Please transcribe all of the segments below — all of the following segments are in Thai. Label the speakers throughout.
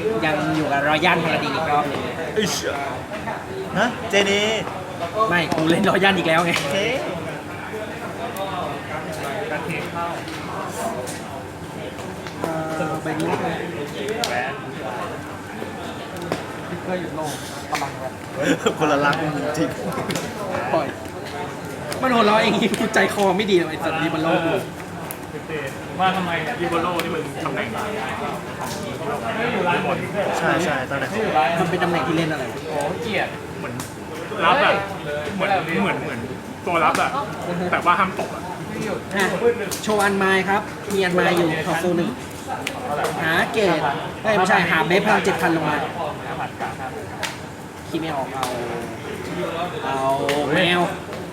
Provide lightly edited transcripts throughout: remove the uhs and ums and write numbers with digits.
Speaker 1: ยังอยู่กับรอยัลพาราดีนอีกรอบหนึง
Speaker 2: อิชฮะเจนี
Speaker 1: ไม่กูเล่นรอยัลอีกแล้วไง
Speaker 2: โอเค
Speaker 1: ใบนี้
Speaker 2: คนละลักจริง
Speaker 1: ปล่อยมันหัวเราะเองกูใจคอไม่ดีเลยไอ้สัตว์นี้มันโลกกู
Speaker 3: ว่าทำไมยูโบโลนี่มันตำแหน่งไหน
Speaker 2: ใช่ใช่ตอนไหน
Speaker 1: มันเป็นตำแหน่งที่เล่นอะไร
Speaker 3: โอ้เกียดเหมือนรับอะเหมือนตัวรับอะแต่ว่าห้ามตกอะ
Speaker 1: อ่ะโชว์อันไม้ครับ มีอันไม้อยู่ขอโซหนึ่งหาเกตไม่ใช่หาเบฟพลัง7,000ลงมาคิดไม่ออกเอาแมว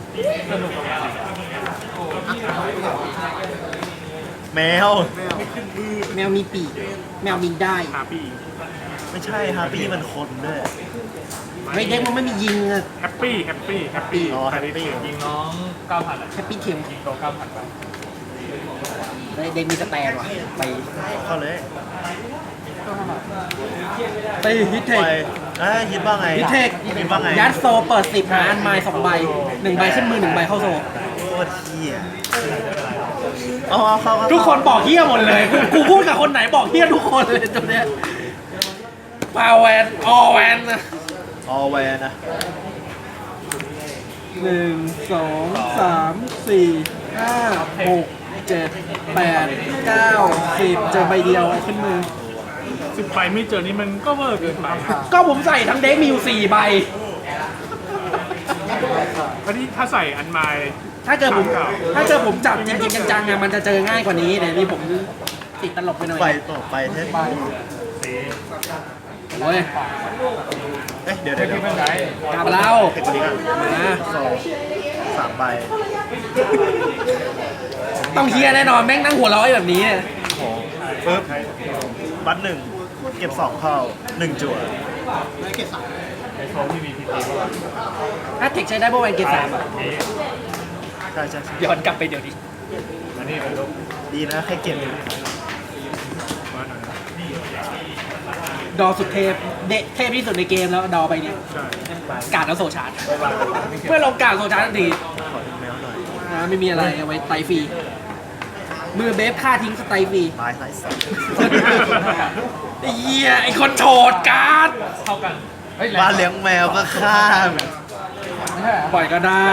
Speaker 2: แมว
Speaker 1: แมวมีปีกแมวบินได้
Speaker 3: ฮาปี้
Speaker 2: ไม่ใช่ฮาปี้มันคนด้วย
Speaker 1: เฮ้ยเด็กมันไม่มียิงอะ
Speaker 3: แฮปปี้
Speaker 2: อ๋อแฮปปี้
Speaker 3: ยิงน้อง9,000อะ
Speaker 1: แฮปปี้เทียม
Speaker 3: ยิงตัว9,000ไป
Speaker 1: เด็กมีสแตนว่ะไป
Speaker 2: เข้าเลย
Speaker 1: ไปฮิตเท
Speaker 2: ไป
Speaker 1: ค
Speaker 2: คิดว่าไง
Speaker 1: ฮิตเทค
Speaker 2: คิดว่าไง
Speaker 1: ยัดโซเปิด10หาอันไม้2ใบ1ใบขึ้นมือ1ใบเข้าโซ
Speaker 2: โคตรเที่ยเอาเข้า
Speaker 1: ทุกคนบอกเฮี้ยหมดเลยกูพูดกับคนไหนบอกเฮี้ยทุกคนเลยตัวเนี้ยปาแวนออแวนนะ
Speaker 2: ออแวนนะ
Speaker 1: 1 2 3 4 5 6 7 8 9 10เจอใบเดียวเอาขึ้นมือ
Speaker 3: 10ใบไม่เจอนี่มันก็เวอร์เกินไป
Speaker 1: ก็ผมใส่ทั้งเด็กมีอยู่4ใบ
Speaker 3: เพราะที่ถ้าใส่อันไม้
Speaker 1: ถ้าเกิดผมจับจริงๆจังๆอะมันจะเจอง่ายกว่านี้แต่นี่ผมติดตลกไปหน่อย
Speaker 2: ไปต่อไปเท่
Speaker 1: โอ้ย
Speaker 2: เอ๊ะเดี๋ยว
Speaker 3: ที่เป็นไง
Speaker 1: กลับเรา
Speaker 2: เทคนิคอ่ะ
Speaker 1: มา
Speaker 2: สองสามใบ
Speaker 1: ต้องเฮียแน่นอนแม่งนั่งหัวเราะแบบนี้เนี่ย
Speaker 2: ของปึ๊บบัตรหนึ่งเก็บสองเข้า1จั่ว
Speaker 3: ในโชว์ที่มีพีทีว่า
Speaker 1: ถ้าเทคใช้ได้เพราะแวนเกต3อ่ะ
Speaker 2: ใช่ใช่ใช่
Speaker 1: ย้อนกลับไปเดี๋ยวนี้
Speaker 3: อันนี้เป็นลูก
Speaker 2: ดีนะแค่เก็บ
Speaker 1: ดอสุดเทพเทพที่สุดในเกมแล้วดอไปเนี่ย
Speaker 3: ใช่
Speaker 1: การดแล้วโซชาร์จเพื่อลงการดโซชาร์จทันที
Speaker 2: ขอดูแมวหน่อย
Speaker 1: ไม่มีอะไรเอาไว้ไตฟรีมือเบฟฆ่าทิ้งสไตฟรี
Speaker 2: ตายไร้สัตว์
Speaker 1: ไอ้เหี้ยไอ้คนโฉดการ์ด
Speaker 3: เท่ากัน
Speaker 2: บ้านเลี้ยงแมวก็ข้าม
Speaker 1: ปล่อยก็ได้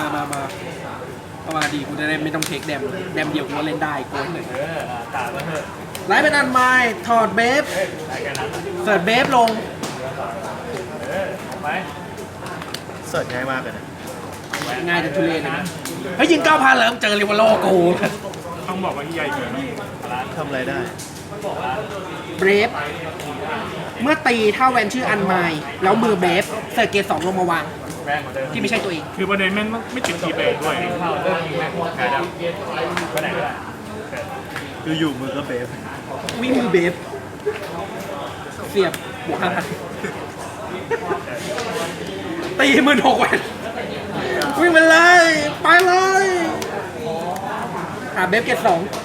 Speaker 1: มาดีกูจะได้ไม่ต้องเทคแดมเดียวกูก็เล่นได้กูหนึ่ง
Speaker 3: ตาแล้วเถอะ
Speaker 1: ไลฟ์เป็นอันไม้ถอดเบฟ
Speaker 3: ได้กันนะ
Speaker 1: เสิร์ชเบฟลง
Speaker 3: ไป
Speaker 2: เสิร์ชง่ายมากเลยนะ
Speaker 1: ง่ายจนทุเรศนะเฮ้ยยิง9,000แล้วเจอริวาโลกู
Speaker 3: ต้องบอกว่าที่ใหญ่เกิน
Speaker 2: ทำอะไรได้
Speaker 1: เบฟเมื่อตีถ้าแวนชื่ออันไม้แล้วมือเบฟเสิร์ชเกต2ลงมาวาง
Speaker 3: แรงกว่าเดิม
Speaker 1: ที่ไม่ใช่ตัวเอง
Speaker 3: คือประเด็นแม่งไม่ติดทีเบรกด้วยเข้าเริ่มยิงแม่งกายดำไปไหนก็ได้
Speaker 2: คืออยู่มือก็เบฟ
Speaker 1: วิ่งมือเบฟเสียบบวก5,000ตี16,000แวนวิ่งไปเลยไปเลยเบฟเกต2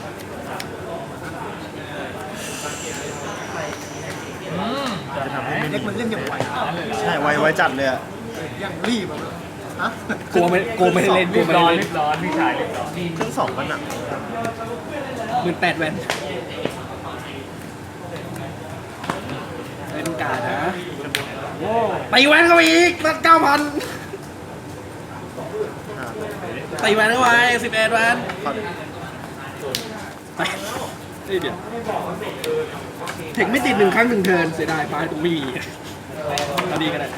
Speaker 2: จะทำให้ไม่
Speaker 4: เล็ก
Speaker 2: ดี
Speaker 4: มันเล่นอย่างไว
Speaker 2: ใช่ไวจัดเลยอะ
Speaker 4: อย่างรีบอะฮะ
Speaker 1: กลัวไม่ได้เล่น
Speaker 3: รีบร้อนพี่ชายรีบร้อน
Speaker 2: เครื่องสองมันหนัก
Speaker 1: 18,000แวนเป็นการนะตีแวนเข้าไปอีกนัด9,000 ตีแวนเข้าไป11แวน
Speaker 2: ขอดู
Speaker 1: ไปเดี๋ยวเทคไม่ติด1 ครั้ง 1 เทิร์นเสียดายไปตรงไม่มีเอาดีกันนะ5,000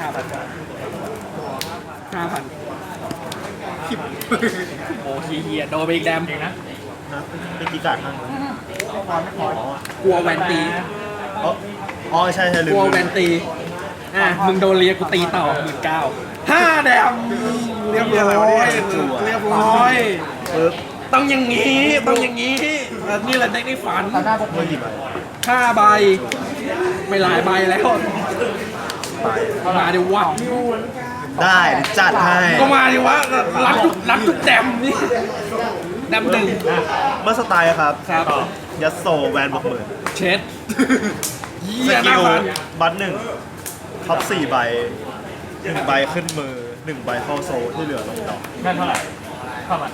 Speaker 1: โอ้เฮียโดนไปอีกแดม
Speaker 3: จริงนะ
Speaker 2: นะเป็นกีการ์ดมั้งอ๋อก
Speaker 1: ลัวแวนตี
Speaker 2: อ๋อใช่ใช่ลืม
Speaker 1: กลัวแวนตีมึงโดนเรียกกูตีต่อ15,000แดมเรียบร้อย
Speaker 2: ปึ๊บ
Speaker 1: ต้องอย่างนี้นี่แหละเด็กในฝัน
Speaker 2: เมื่อกี่ใบ
Speaker 1: 5 ใบไม่หลายใบแล้วมาดิวะ
Speaker 2: ได้จัดให้
Speaker 1: ก็มาดิวะรักทุกแดมนี่แดมหนึ่ง
Speaker 2: เมื่อสไตล์ครับ
Speaker 1: ครับ
Speaker 2: ยัสโซแวนบอกหมื่น
Speaker 1: เช็ดเหี้
Speaker 2: ส
Speaker 1: ย
Speaker 2: กิ
Speaker 1: น่า
Speaker 2: ล
Speaker 1: ฟัน
Speaker 2: บัตหนึ่งท็อป4 ใบ1 ใบขึ้นมือ 1 ใบเข้าโซลที่เหลือลงดอก
Speaker 3: นั่นเท่าไหร่เท่าไหร่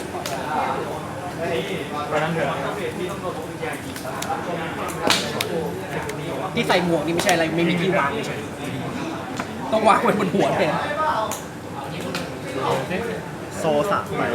Speaker 3: วันนั้นเดือน
Speaker 1: ที่ใส่หมวกนี่ไม่ใช่อะไรไม่มีที่วางไม่ใช่ต้องวางไว้บนหัวแทน
Speaker 2: โซล3 ใบ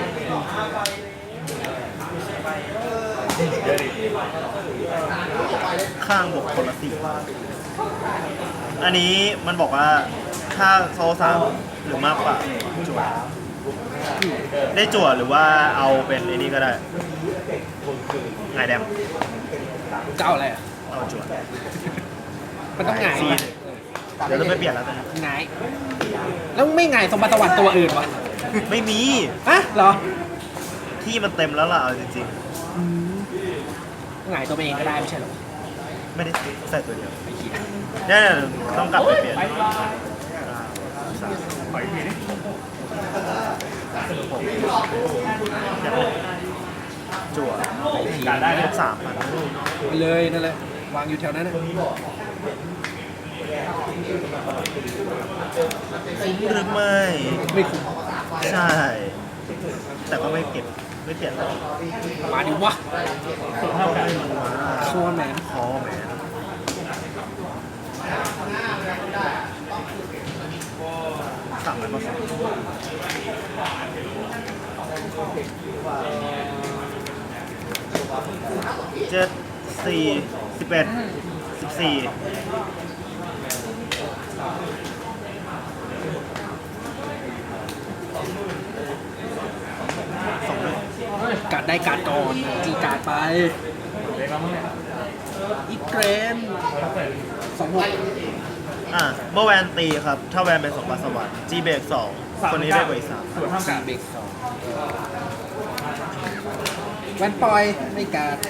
Speaker 2: ข้างบวกคนละ4 อันนี้มันบอกว่าถ้าโซล3หรือมากกว่าจั่วได้จั่วหรือว่าเอาเป็นไอ้นี่ก็ได้ไงแดม
Speaker 1: จะเอาอะไรอ่ะ
Speaker 2: เอาจั่ว
Speaker 1: มันต้องหงาย
Speaker 2: ซี
Speaker 1: ปะ
Speaker 2: เดี๋ยวเราไปเปลี่ยนแล้วกัน
Speaker 1: หงายแล้วไม่หงายสมบัติสวัสดิ์ตัวอื่นวะ
Speaker 2: ไม่มี
Speaker 1: ฮะเหรอ
Speaker 2: ที่มันเต็มแล้วล่ะเอาจริง
Speaker 1: หงายตัวเองก็ได้ไม่ใช่เหรอ
Speaker 2: ๆ ไม่ได้ใส่ตัวเดียว
Speaker 1: ไอ้เหี้ย
Speaker 2: เนี่ยต้องกลับไปเปลี่ยน
Speaker 3: ขออีกทีดิ
Speaker 2: จั่ว
Speaker 3: การได้
Speaker 2: ล
Speaker 3: เลย
Speaker 2: บ3,000
Speaker 1: ไปเลยนั่นแหละวางอยู่แถวนั้นน่ะ
Speaker 2: คุ้มหรือไม่
Speaker 1: ไม่คุ้ม
Speaker 2: ใช่ แต่ก็ไม่เก็บไม่เปลี่ยนแล้ว
Speaker 1: มาดิวะโซนแมน
Speaker 2: คอแหมสั่งอะไรมาสั่ง7 4 11 14
Speaker 1: กัดได้กัดก่อนจีกัดไป
Speaker 3: เล็กแล้วมั้งเนี่ย
Speaker 1: อีกเกรน26
Speaker 2: เมื่อแวนตีครับ ถ้าแวนเป็น2 บาทสวรรค์ G เบรก2 คนนี้ได้กว่าอีก
Speaker 3: ส่วนเท่ากัน
Speaker 1: เบรก2แวนปล่อยไม่กัด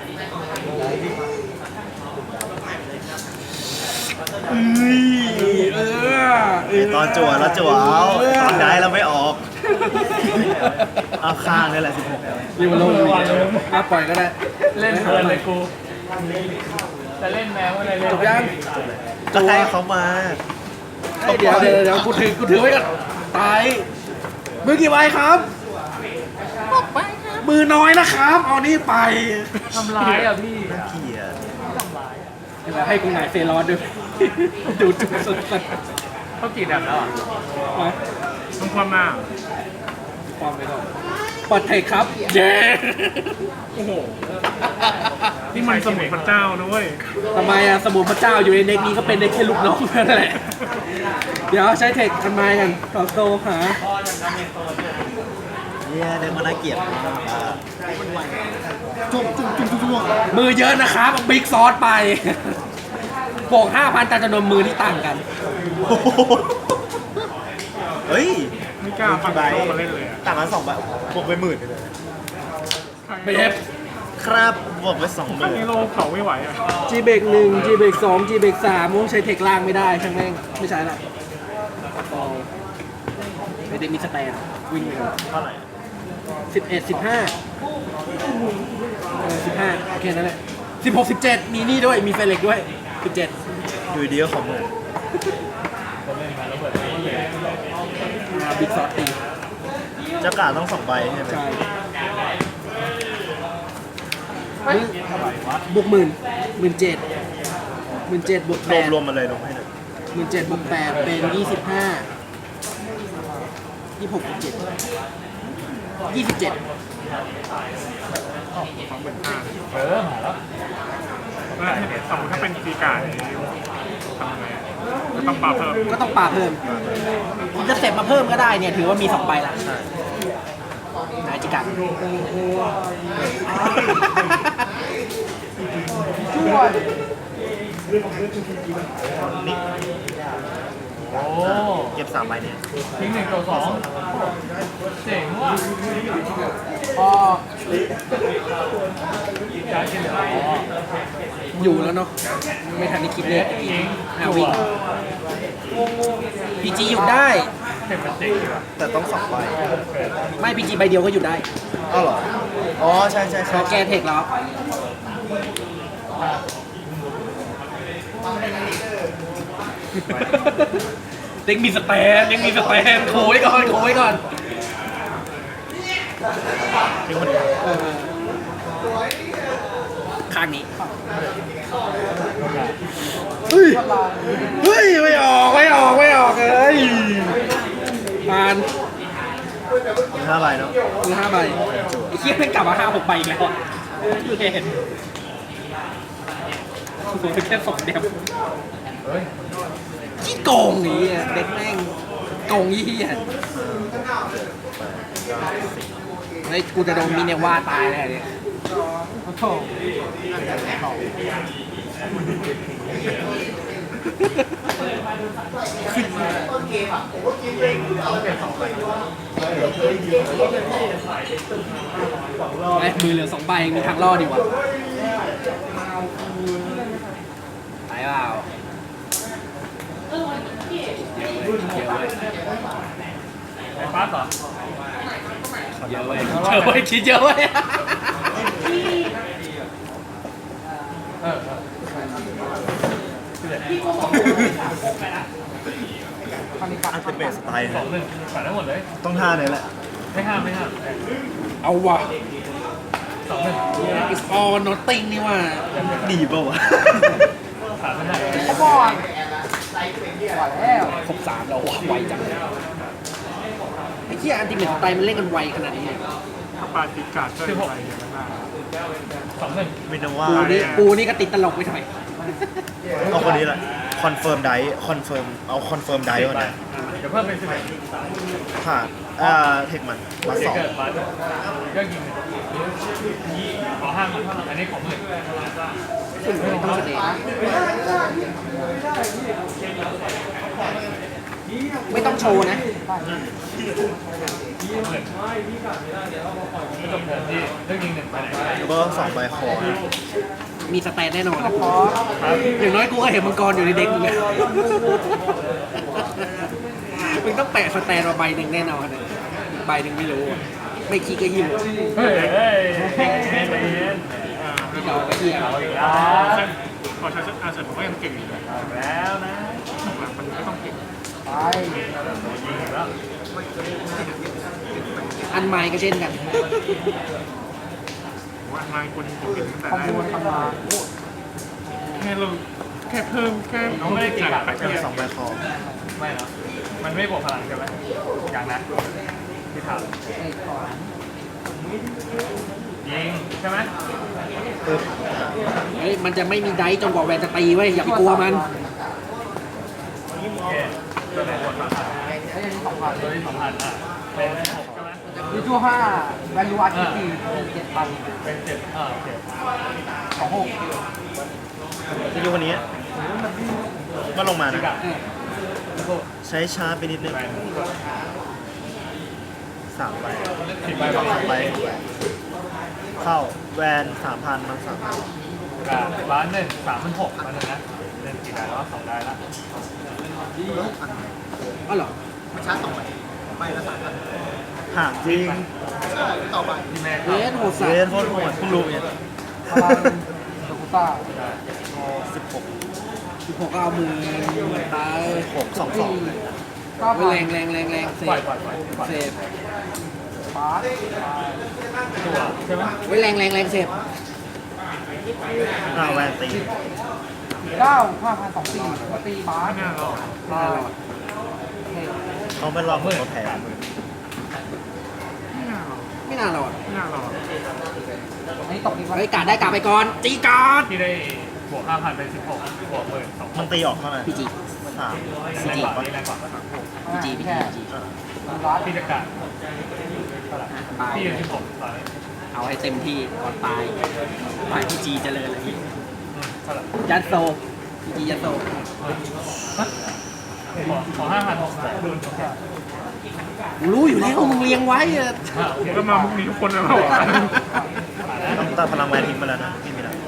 Speaker 2: 3ตอนจั่วแล้วจั่วเอาตอนได้เราไม่ออก เอาข้างนี่แหละ16แล้ว
Speaker 1: รีบมาลงปล่อยก็ได้
Speaker 3: เล่นเพลินเลยกูจะเล่นแมวอะไรเล่น
Speaker 1: จบยัง
Speaker 2: ก็ให้เขามา
Speaker 1: เดี๋ยวกูถือไว้ก่อนตายมือกี่ใบครับมือน้อยนะครับ เอานี่ไป
Speaker 3: ทำร้ายอ่ะพี่
Speaker 2: เกลียด
Speaker 1: ให้กูหงายเซรอนด้วยดูจุดสุด
Speaker 3: เขากี่แบบแล้วอ่ะ
Speaker 1: ๆมา
Speaker 3: ต้องความหน้า
Speaker 1: ความไปก่อนเปิดเทคครับ เย้
Speaker 3: โอ้โหนี่มันสมุนพระเจ้านะเว้ย
Speaker 1: ทำไมอะสมุนพระเจ้าอยู่ในเด็กนี้ก็เป็นได้แค่ลูกน้องนั่นแหละ เดี๋ยวใช้เทคกันไม้กันต่อโซหา
Speaker 2: เนี่ยเด็กมันน่าเกลียด
Speaker 4: จุ่มจุ่ม
Speaker 1: มือเยอะนะครับบิ๊กซอสไปบวก 5,000แต่จำนวนมือที่ต่างกัน
Speaker 2: เฮ้ย
Speaker 3: ไม่กล้าฟัง
Speaker 2: ใบ
Speaker 3: โลมาเล่นเลยอ่ะ
Speaker 2: ต่างกัน2 ใบบวกไป10,000เลย
Speaker 1: เบฟ
Speaker 2: ครับบวกไป
Speaker 3: ถ้ามีโลเขาไม่ไหวอ่ะ
Speaker 1: จีเบก1จีเบก2จีเบก3มึงใช้เทคล่างไม่ได้ช่างแม่งไม่ใช่ละไม่ได้มีสแตนวิ่งไปก่อน
Speaker 2: 20,000เท่าไหร่
Speaker 1: 11 15 15โอเคนั่นแหละ16 17มีนี่ด้วยมีเฟเล็กด้วย17
Speaker 2: อยู่ดีก็ขอมือ
Speaker 1: บิ๊กซอสตี
Speaker 2: เจ้ากาต้อง2 ใบใช่ไหม
Speaker 1: ใช่บวก17,000บวก
Speaker 2: รวม
Speaker 1: 8
Speaker 2: รวมมาเลยลงให้หน่อย
Speaker 1: 17บวก8เป็น25 26บวก7 27
Speaker 3: เออมาแล้วแล้วสมมติถ้าเป็นตีกาเนี่ยทำไงอะก็ต้องปรับเพิ่ม
Speaker 1: ก็ต้องปาเพิ่มคุณจะเสร็จมาเพิ่มก็ได้เนี่ยถือว่ามี2ใบละ
Speaker 2: ใช่
Speaker 1: นายจิกัด
Speaker 2: นี่
Speaker 3: โอ้
Speaker 2: เก็บ3 ใบเนี่ย
Speaker 3: ทิ้ง1 ตัว 2เจ๋งว่ะ
Speaker 1: พอ
Speaker 3: การกินเหลือ
Speaker 1: อยู่แล้วเนาะไม่ทันได้คิดเลยวิ่งพีจีหยุดได้
Speaker 3: เห็นมันเจ๋งอยู่อ่ะ
Speaker 2: แต่ต้อง2 ใบ
Speaker 1: ไม่พีจีใบเดียวก็หยุดได้
Speaker 2: อ้าวเหรอ อ๋อ ใช่ใช่
Speaker 1: พ
Speaker 2: ใช่
Speaker 1: อแกเทคแล้วเด็กมีสแตนยังมีสแตนโขไว้ก่อนโขไว้ก่อน
Speaker 2: ทิ้งคนเดียว
Speaker 1: ข้างนี้เฮ้ยเฮ้ยไม่ออกไม่ออกไม่ออกเลยผ่าน
Speaker 2: มี5 ใบเนาะ
Speaker 1: มือ5 ใบไอ้เคียเพิ่งกลับมา5-6 ใบอีกแล้วอะอยู่เห็นผมแค่2 เดียวขี้โกงนี่อะเด็กแม่งโกงยี่อ่ะเฮ้ยกูจะโดนมิเนว่าตายแน่เนี่ย
Speaker 4: โอ้โห
Speaker 1: ไอ้มือเหลือ2 ใบมีทางรอดดีวะไปเปล่าเยอะเว้ย
Speaker 3: ไอ้ฟ้าต่อ
Speaker 1: เยอะเว้ยเยอะเว้ยคิดเยอะเว้ย
Speaker 2: อันเตอร์เบสสไตล์
Speaker 3: 2-1ฝันได้หมดเลย
Speaker 2: ต้องท่าเนี่ยแหละ
Speaker 3: ไม่ห้ามไม่ห้าม
Speaker 1: เอาว่ะ
Speaker 3: 2-1
Speaker 1: it's all nothing นี่ว่า
Speaker 2: ดีเปล่าวะ
Speaker 3: ขาดไม่ได้
Speaker 4: เขาบอลว่าแล้ว
Speaker 1: ครบ3แล้วว่ะไวจังไอ้เหี้ยอันติเมทไตมันเล่นกันไวขนาดนี้เลย
Speaker 3: ถ้าปาติกาช่วยไปเยอะมาก2-1
Speaker 2: มินว่า
Speaker 1: ปูนี่ก็ติดตลกไปหน่อย
Speaker 2: เอาคนนี้แหละคอนเฟิร์มไดคอนเฟิร์มเอาคอนเฟิร์มไดก่อนนะ
Speaker 3: เดี๋ยวเพิ่มเป็น11
Speaker 2: ผ่านเทคมันมา
Speaker 3: เด็ก
Speaker 2: 2
Speaker 3: เกิดมาก็ยิงขอห้ามมันเท่าไหร่อันนี้ของมือ
Speaker 1: ไม่ต้องแสดงไม่ต้องโชว์นะ
Speaker 3: ไม่จบเดินที่เรื่องยิง1ไปไหน
Speaker 2: แล้วก็2 ใบคอนะ
Speaker 1: มีสแตนแน่นอนนะ
Speaker 4: ขอ
Speaker 1: อย่างน้อยกูก็เห็นมังกรอยู่ในเด็กมึงอะมึงต้องแปะสแตนมาใบหนึ่งแน่นอนนะอีกใบหนึ่งไม่รู้อะไม่ขี้ก็หิว
Speaker 3: เฮ้ยเฮ้ยเฮ้ยเฮ้ย
Speaker 1: ไม่เอาก็เหี้ย
Speaker 3: เอาอีกแล้ว
Speaker 5: พอใช้อาเซนผมก็ยังเก่งอยู่นะ
Speaker 3: แล้วนะ
Speaker 5: มันก็ต้องเก่ง
Speaker 4: ไป
Speaker 3: ยิงแล้ว
Speaker 1: อันไม้ก็เช่นกัน
Speaker 5: ผมว่ามาคนเก่งตั้งแต่
Speaker 4: คอม
Speaker 5: แรก
Speaker 4: บูทำมา
Speaker 5: แค่เราแค่เพิ่มแค่
Speaker 3: น้องไม่ได้ตีกลับ
Speaker 5: ไป
Speaker 2: เป็น
Speaker 5: แค่
Speaker 2: 2 ใบคอ
Speaker 3: ไม่เนาะมันไม่บวกพลังใช่ไหมอย่างนั้นที่ถาม
Speaker 4: เอกก่อน
Speaker 3: ยิงใช่ไหม
Speaker 2: ปึ๊บ
Speaker 1: เฮ้ยมันจะไม่มีไดฟ์จนกว่าแวนจะตีไว้ยอย่าไปกลัวมัน
Speaker 3: โอเคตัวไหนบวกพลัง
Speaker 4: แล้วยังมี2,000
Speaker 3: ตัวที่2,000อ่ะเป็น6ใช่ไหม
Speaker 4: วิจู5 value art ที่7,000
Speaker 3: เป็น7โอเค
Speaker 4: 26
Speaker 2: จะดูคนนี้ก็ลงมานะ
Speaker 1: เออ
Speaker 2: ใช้ช้าไปนิดนึง
Speaker 3: แบน
Speaker 2: 3 ใบ
Speaker 3: 10ใบบอก
Speaker 2: 3 ใบเข้าแวน3,000มัน3,000
Speaker 3: กับร้าน1,36,000มันนะเล่นกี่ได้แล้ว2ได้ละ
Speaker 1: อ๋อเหรอ
Speaker 4: มาชาร์จ2ใบใบละ3,000
Speaker 2: ห่างจริง
Speaker 4: ต่อไป
Speaker 3: ที่แม่
Speaker 1: เวสโหดสั
Speaker 2: เว
Speaker 1: ต
Speaker 2: น
Speaker 1: ว์
Speaker 2: โคตรโหดเพิ่งรู้เนี่ย
Speaker 4: พลังโดกุต้า
Speaker 2: 16
Speaker 1: 16ก็เอามือตาย
Speaker 2: 6 2 2
Speaker 1: แรงแรงแรงแรงเซ
Speaker 3: ปล่อย
Speaker 1: ฟ
Speaker 3: ปล่อยปล่อย
Speaker 1: เซฟ
Speaker 4: บาส
Speaker 3: ตัวใช่ไหม
Speaker 1: ไว้แรงแรงแรงเซฟ
Speaker 2: แวนตี
Speaker 4: 9 5,024มาตีบาส
Speaker 5: ไม่น่าหรอก
Speaker 1: น่ารอด
Speaker 2: เขาเป็นรอบมือแพ้
Speaker 5: ไม่น่าหรอก
Speaker 1: ไม่น่ารอด
Speaker 5: ไม่น่าหรอก
Speaker 4: อันนี้ตกอีกวัน
Speaker 1: เฮ้ยการดได้การดไปก่อนตีการ์ด
Speaker 3: ที่ได้บวก 5,000 เป็น 16 บวก 12,000
Speaker 2: มันตีออกเท่าไหร่
Speaker 1: พีจี
Speaker 2: 3
Speaker 3: แรงกว่านี่แรงกว่า
Speaker 1: พีจีพี
Speaker 4: แค่
Speaker 1: จี
Speaker 4: บาส
Speaker 3: พี่จะกัดเท่าไหร่
Speaker 1: ตาย
Speaker 3: พี่จะ16ตอนนี้
Speaker 1: เอาให้เต็มที่ก่อนตายตายพีจีเจริญเลย
Speaker 3: เท่าไหร่
Speaker 1: ยัดโซพีจียัดโซ
Speaker 3: ขอ 5,000 6,000ดูน
Speaker 1: กูรู้อยู่แล้วมึงเลี้ยงไว้อะ
Speaker 5: ก็มามุกนี้ทุกคนนะเรา
Speaker 2: ต้องตัดพลังแวนทิ้งไปแล้วนะไม่มีแล้ว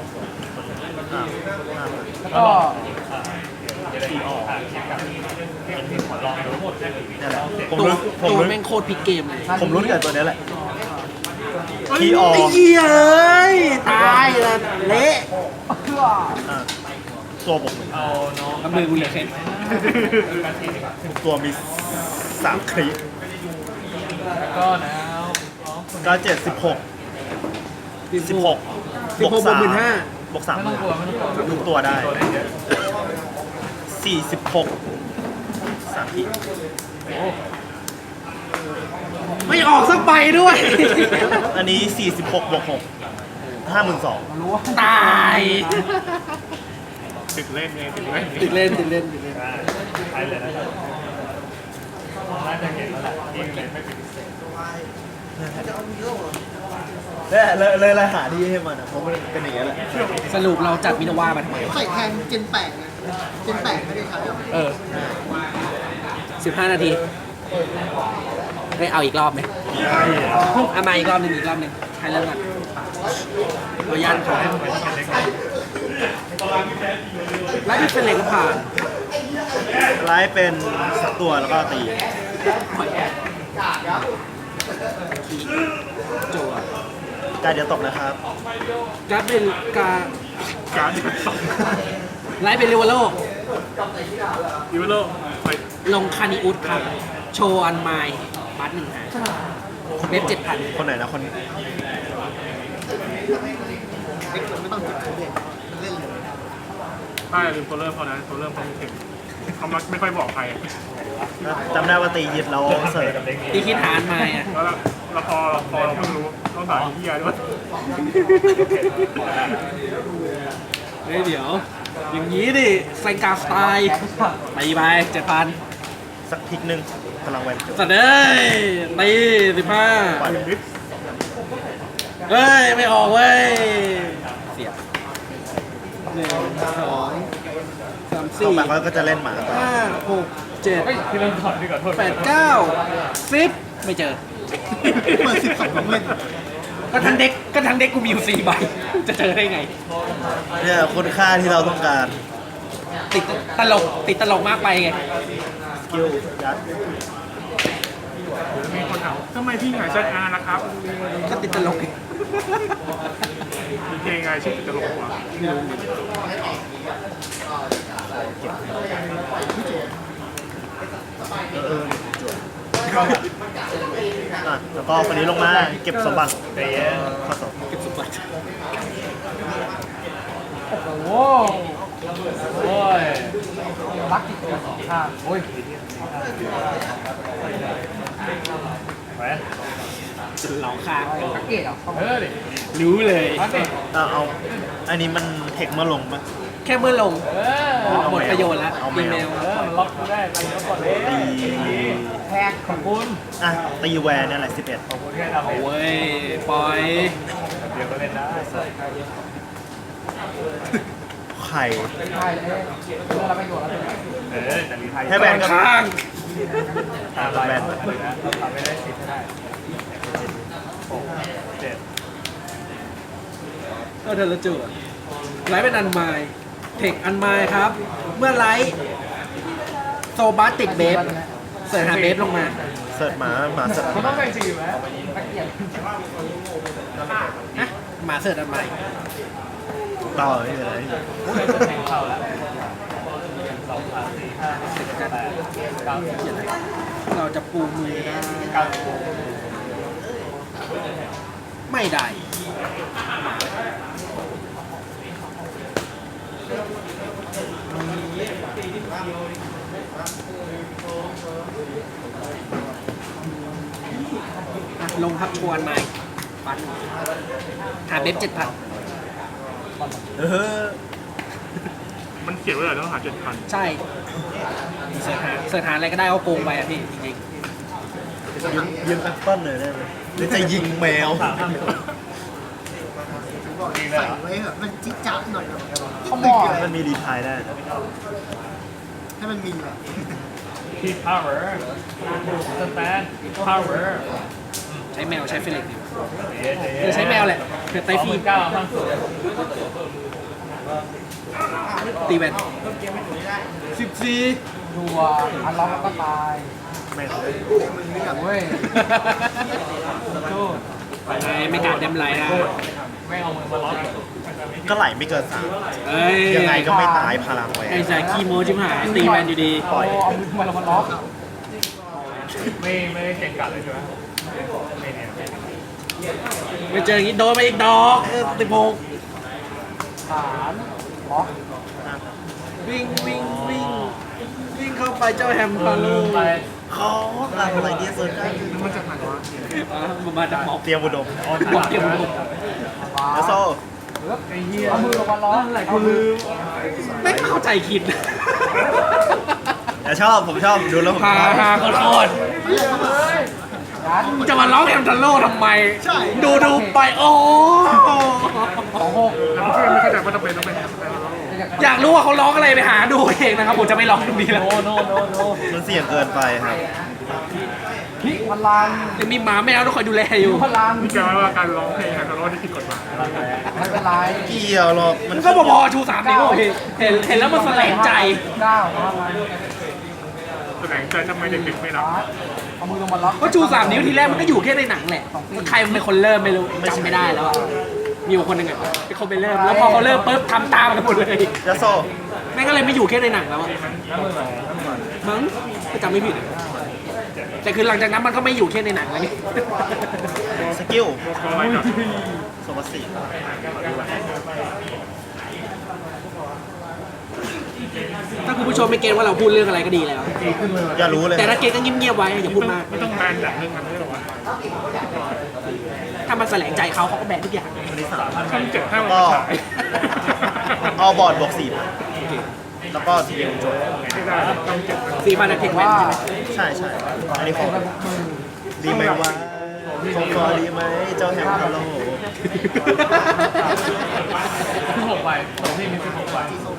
Speaker 4: แล้วก็
Speaker 3: ขี่ออกเช็คกับที่หัวลองดูหมดเลย
Speaker 2: นี่แหละผม
Speaker 1: ตัว
Speaker 2: รู้ผม
Speaker 1: ตัว
Speaker 2: รู้
Speaker 1: แม่งโคตรพลิกเกมเลย
Speaker 2: ผมรู้กับตัวนี้แหละที่ออก
Speaker 1: ไอ้เหี้ยเอ้ยตายละเละ
Speaker 4: เพื่อ
Speaker 2: ตัวตัวบวกหนึ่ง
Speaker 5: เอาน้อง
Speaker 1: กำมือกูเหลือแค่
Speaker 2: ทุกตัวมี3 คลิป
Speaker 5: แล้วก็นะน้องคน
Speaker 2: ก็7 16 16
Speaker 1: 16 บวก 15,000
Speaker 2: บวก3
Speaker 5: ไม่ต้องกลัวไม่ต้องกลัว
Speaker 2: ทุกตัวได้
Speaker 5: ตัวได้เยอะ
Speaker 2: 46 3 ที
Speaker 1: ไม่ออกสักใบด้วย
Speaker 2: อันนี้ 46 บวก 6 52,000
Speaker 4: รู้ว่า
Speaker 1: ตาย
Speaker 3: ติดเล่นไงติดเล่น
Speaker 1: ติดเล่นติดเล่นติดเล่น
Speaker 5: ใช้เลยนะครับน่าจะเห็นแล้วแหละยิงเลยไม่เป็นพิเศษ
Speaker 2: เลยหาที่ให้มันอ่ะเพราะมันเป็นอย่างเงี้ยแหละ
Speaker 1: สรุปเราจัดมินาวามาทำไมวะ
Speaker 6: ใส่แทนเจนแปดไงเจนแปดไม่ได้ใช้หรอก
Speaker 1: เออ 15 นาทีได้เอาอีกรอบไหมเอามาอีกรอบหนึงให้เริ่มก่อนเรายันขอให้แล้วที่เป็นเหล็กก็ผ่าน
Speaker 2: ไลฟ์เป็นสักตัวแล้วก็ตี
Speaker 1: จั่ว
Speaker 2: การเดียวตกนะครับ
Speaker 1: การ์ดเป็นการ
Speaker 3: การ์ดสอง
Speaker 1: ไลท์เป็นเรเวลโล
Speaker 3: ยูโรไป
Speaker 1: ลงคานิอุสครับ โชว์อันไมล์บัต1 หาเว็บ 7,000
Speaker 2: คนไหนนะคน
Speaker 6: เด็กไม่ต้องติดเขาเด็กมันเล่นเลย
Speaker 3: ใช่ลืมตัวเริ่มเขานะตัวเริ่มเขาไม่ถึงเขามักไม่ค่อยบอกใคร
Speaker 2: จำได้ว่าตียึดแล้วเสิร์ฟ
Speaker 1: ตีคิดหาอันไมล์อ่ะ
Speaker 3: แล้วพอเราเพิ่งรู้ต้องด่าที่ยาด้วย
Speaker 1: เฮ้ยเดี๋ยว อย่างนี้ดิไซกาสไตล์ตีไป 7,000
Speaker 2: สักทิกหนึ่งพลังแวน
Speaker 1: สัตว์เอ้ยตี
Speaker 2: ปล่อย
Speaker 1: 15เฮ้ย ไม่ออกเว้ย เสียบ1 2 3
Speaker 2: ต่อไป
Speaker 1: 4
Speaker 2: เขาก็จะเล่นหมาต่อ
Speaker 1: 5 6 7
Speaker 5: เฮ้ยที่เริ่มถอดดีกว่าโทษ
Speaker 1: 8 9 10ไม่เจอ
Speaker 6: เปิด12ของเล่น
Speaker 1: ก็ทั้งเด็กกูมีอยู่4 ใบ จะเจอได้ไง
Speaker 2: เนี่ยคุณค่าที่เราต้องการ
Speaker 1: ติดตลกมากไปไง
Speaker 2: สกิลยัด
Speaker 3: มีคนถามทำไมพี่หายชัดอานะครับ
Speaker 1: ก็ติดตลกไง
Speaker 3: มีเพลงไงชื่อติดตลกวะ
Speaker 2: อ่ะแล้วก็คนนี้ลงมาเก็บสมบัติข้อสอบ
Speaker 1: เก็บสมบัติ
Speaker 4: โอ้โหโอ้ยรักติดตัว2 ข้างโอ้ย
Speaker 5: แหวน
Speaker 1: จนเหลาค้างกัน
Speaker 4: สังเกตอ่ะ
Speaker 5: ดิ
Speaker 1: รู้เลย
Speaker 5: พักดิ
Speaker 2: เอาอันนี้มันเทคมาลงปะ
Speaker 1: แค่เมื่อลง
Speaker 2: เอา
Speaker 1: หมด
Speaker 2: แมว
Speaker 1: ประโยชน์แล้ว
Speaker 2: เอาแมว
Speaker 1: อีเมล
Speaker 5: มันล็อกกูได้ไปแล้วก่อนเลย
Speaker 2: ตี
Speaker 4: แพง
Speaker 5: ขอบคุณ
Speaker 2: อ่ะตีแวนเนี่ยแหละ11
Speaker 5: ขอบคุณแค่ทำเอง
Speaker 1: โอ้ย ปล่อย
Speaker 5: เดี๋ยวก็เล่นได้
Speaker 2: ไข่
Speaker 4: ใช่เลยเพื่อเราประโยชน์แล้วเลย
Speaker 5: แต่รีไทย
Speaker 2: ให้แวนกับ
Speaker 1: ค้าง
Speaker 5: ตามลายนะเราทำไม่ได้10ให้ได้6 7
Speaker 1: ก็เธอละจุดไลท์เป็นอันไมล์เทคอันไมล์ครับ เมื่อไลท์โซบัสติดเบฟเสิร์ชหาเบฟลงมา
Speaker 2: เสิร์ชหมาเสิร์ช
Speaker 5: เขาต้องแบ่งสีไหม
Speaker 4: ตะเกียบ
Speaker 1: ฮะหมาเสิร์ชอันไมล์
Speaker 2: ต่อนี่เลย
Speaker 5: แทงเข้าแล้ว2 3 4 5 6 7 8 9
Speaker 1: เราจะปูมือได้
Speaker 5: 10
Speaker 1: ไม่ได้อ่ะลงครับชวนไมล์ปัดหาเบฟ7,000
Speaker 2: เออ
Speaker 3: มันเขียนไว้เลยต้องหา7,000
Speaker 1: ใช่เสิร์ชหาอะไรก็ได้เอาโกงไปอ่ะพี่จริง
Speaker 2: ยืมแอปเปิ้ลเลยได้ไหมหรือจะยิงแมว
Speaker 5: 3 5
Speaker 6: บอกใส่ไว้เหอะมันจิ๊ดจ๊าดหน่อย
Speaker 4: เขามอง
Speaker 2: มันมีรีไทายได้นะ
Speaker 6: ให้มันมีแบบ
Speaker 5: Keep power stand power
Speaker 1: ๆ ใช้แมวใช้เฟลิกซ์อยู่
Speaker 5: เดี๋
Speaker 1: เออใช้แมวแหละเผื่อไตฟี
Speaker 5: 9ห้างสุด
Speaker 1: ตีแวน14
Speaker 4: ดัวอันล็อกแล้วก็ตาย
Speaker 2: แม่ง
Speaker 4: โอ้ย
Speaker 1: ไม่การเดมไลน์ได้
Speaker 6: ม
Speaker 5: ไม่เอามือมาล็อก
Speaker 2: ก็ไหลไม่เกิน
Speaker 1: เอ้ย
Speaker 2: 3ยังไงก็ไม่ตายพลังแหว
Speaker 1: ไอ้
Speaker 2: น
Speaker 1: สายคีโมชิบหายตีแมนอยู่ดี
Speaker 2: ปล่อย
Speaker 4: เอามือมาแล้วมันล็อก
Speaker 5: ไม่ได้เก่งกัดเลยใช่ไหมไม่เนี่ย
Speaker 1: ไปเจออย่างนี้โดนมาอีกดอกติโมก
Speaker 4: ฐานล็อก
Speaker 1: วิ่งวิ่งวิ่งวิ่งเข้าไปเจ้าแฮมพาโล
Speaker 5: ลืมไป
Speaker 2: เขาอะไรเนี่ยเซิร์ฟได้
Speaker 3: มันจะผ่านว่า
Speaker 1: มันมาจากหมอก
Speaker 2: เตรียมอุดม
Speaker 1: หมอกเกี่ยวกับผม
Speaker 2: แล้วโซ่
Speaker 4: ไอ้เหี้ยเอามือลงมาล็อก
Speaker 1: อะไรกูลืมไม่เข้าใจคิด
Speaker 2: แต่ชอบผมชอบดูแล้วผม
Speaker 1: ฮา
Speaker 2: ชอบ
Speaker 1: ฮาโคตร
Speaker 4: ยัด
Speaker 1: จะมาร้องแฮมทันโลทำไม ดูไปโอ้
Speaker 4: 26
Speaker 3: แล้วเพื่อนไม่เข้าใจว่าต้องเป็น
Speaker 1: อยากรู้ว่าเขาร้องอะไรไปหาดูเองนะครับผมจะไม่ร้องตรงนี้แล้ว
Speaker 5: โนโน
Speaker 2: มันเสี่ยงเกินไปครับ
Speaker 4: พิพลัง
Speaker 1: ยังมีหมาแมวต้องคอยดูแลอยู่
Speaker 4: พลัง
Speaker 3: นี่แกว่าการร้องเพลงแฮนด์โรที่ผิดกฎหมาย
Speaker 4: ไม่เป็นไร
Speaker 2: เกี่ยวหรอกมัน
Speaker 1: ก็พอๆชู3นิ้วโอเคเห็นแล้วมันแสลงใจ
Speaker 4: 9มา
Speaker 3: แสดงใจทำไมเด็กๆไม่รับ
Speaker 4: เอามือลงมาล็อก
Speaker 1: ก็ชู3นิ้วทีแรกมันก็อยู่แค่ในหนังแหละใครมันเป็นคนเริ่มไม่รู้จำไม่ได้แล้วอะมีอยู่คนหนึ่งอะเป็นคนไปเริ่มแล้วพอเขาเริ่มปุ๊บทำตามกันหมดเลย
Speaker 2: แล้วโซ่
Speaker 1: แม่งก็เลยไม่อยู่แค่ในหนังแล้วอะมั้งถ้าจำไม่ผิดอะแต่คือหลังจากนั้นมันก็ไม่อยู่แค่ในหนังแล้วไง
Speaker 2: สกิล
Speaker 3: อะไรกับ
Speaker 2: โซบัสสี่
Speaker 1: ถ้าคุณผู้ชมไม่เก็ตว่าเราพูดเรื่องอะไรก็ดีแล้ว
Speaker 2: อย่ารู้เลย
Speaker 1: แต่ถ้าเก็ตก็เงียบๆไว้อย่าพูดมาก
Speaker 3: ไม่ต้องแบนจากเรื่องนั้นไม่หรอวะ
Speaker 1: ถ้ามันแสลงใจเขาเขาก็แบนทุกอย่าง
Speaker 3: ช่อง7 5 วัน
Speaker 2: ก็
Speaker 3: ฉาย
Speaker 2: เอาบอร์ดบวก4แล้วก็ทีเดียวจบ
Speaker 3: ไม่ได้ช่อง7
Speaker 1: 4 พันเทคแมนใช่ไหม
Speaker 2: ใช่ใช่อันนี้ของ
Speaker 4: ไปบุกมือ
Speaker 2: ดีไหมวะของคอดีไหมเจ้าแฮมฮัลโหล
Speaker 5: 16ใบของพี่มี16ใบ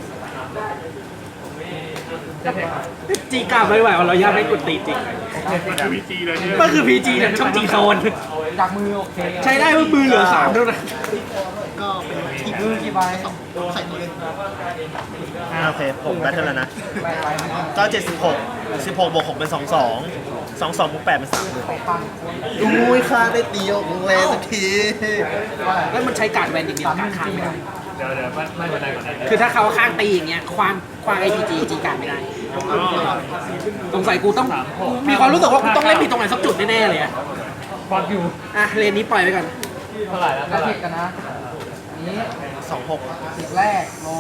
Speaker 5: จะเทค
Speaker 1: จีกล้าไม่ไหวเราย่าไม่กดตีจริง
Speaker 3: มันคือวีจีเลยที่
Speaker 1: มันคือพีจีเนี่ยช่องจีโซน
Speaker 4: จากมือโอเค
Speaker 1: ใช้ได้เมื่อมือเหลือ3เท่านั้น
Speaker 6: ก็เป็นทีม
Speaker 4: มือกี่ใบ
Speaker 6: ใส่ตัวเล่น
Speaker 2: โอเคผมแบทเทิลแล้วนะ
Speaker 4: ใบใบ
Speaker 2: ก็16บวก6เป็น22บวก8เป็น30
Speaker 4: ปัง
Speaker 2: อุ้ยค่าได้ตีออกแรงสักที
Speaker 1: แล้วมันใช้การแวนอย่างเดียวการข้างไม่ได้
Speaker 5: เดี๋ยวไม่เป็นไรก่อนนะ
Speaker 1: คือถ้าเขาข้างตีอย่างเงี้ยควางไอพีจีจีการไม่ได้สงสัยกูต้องมีความรู้สึกว่ากูต้องเล่นผิดตรงไหนสักจุดแน่ๆเลยอะ
Speaker 5: ฟังอยู่
Speaker 1: อ่ะเลนนี้ปล่อยไปก่อน
Speaker 5: เท่าไหร่แล้ว
Speaker 4: แล้ว
Speaker 5: เท่าไหร่
Speaker 4: เทคกันนะอันนี้
Speaker 2: 26
Speaker 4: สิบแรกลง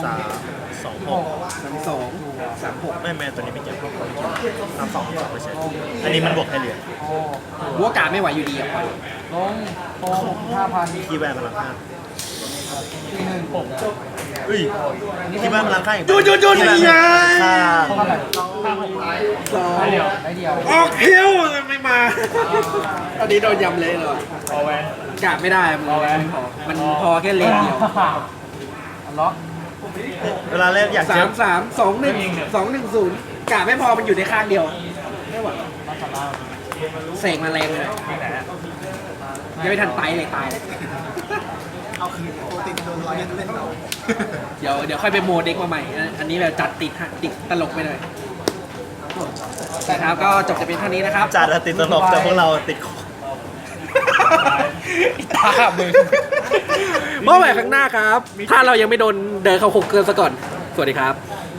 Speaker 2: 3 26
Speaker 1: 2
Speaker 2: ไม่ตัวนี้ไม่เกี่ยว32ไม่ใช่อันนี้มันบวกให้เหลือ
Speaker 4: โอ้
Speaker 1: หัวกาไม่ไหวอยู่ดีอ่ะปล่อย
Speaker 4: ลงโต5,000
Speaker 2: ที่แวนพลังค่า
Speaker 4: ทีหนึ่ง
Speaker 2: เอ้ยที่แวนพลังค่าอย่าง
Speaker 1: จุด
Speaker 2: ที่แวนพลังค่า
Speaker 4: เท่าไหร่
Speaker 1: สอง
Speaker 5: ได้เดียว
Speaker 4: ได้เดียว
Speaker 1: ออกคิวไม่มาตอนนี้โดนยำเลยเลย
Speaker 5: เอาแวน
Speaker 1: กาไม่ได้มันพอแค่เลนเดียว
Speaker 4: อันล็อก
Speaker 2: เวลาเล่นอยากเจอ
Speaker 1: 3-3-2-1-2-1-0กาไม่พอมันอยู่ในข้างเดียวไม่ไหวเสกมาแรงเลยยังไม่ทันไตเลยตายเลย
Speaker 6: เอาคืนปกติโดนร้อยเล่นเรา
Speaker 1: เดี๋ยวค่อยไปโมเด็กมาใหม่ อันนี้แบบจัดติดตลกไปหน่อยแต่ครับก็จบจะเป็นเท่านี้นะครับ
Speaker 2: จัดอะติดตลกแต่พวกเราติดคอ
Speaker 1: ตามึงเมื่อไหร่ข้างหน้าครับ ถ้าเรายังไม่โดนเดินเขาคุกเกินซะก่อน สวัสดีครับ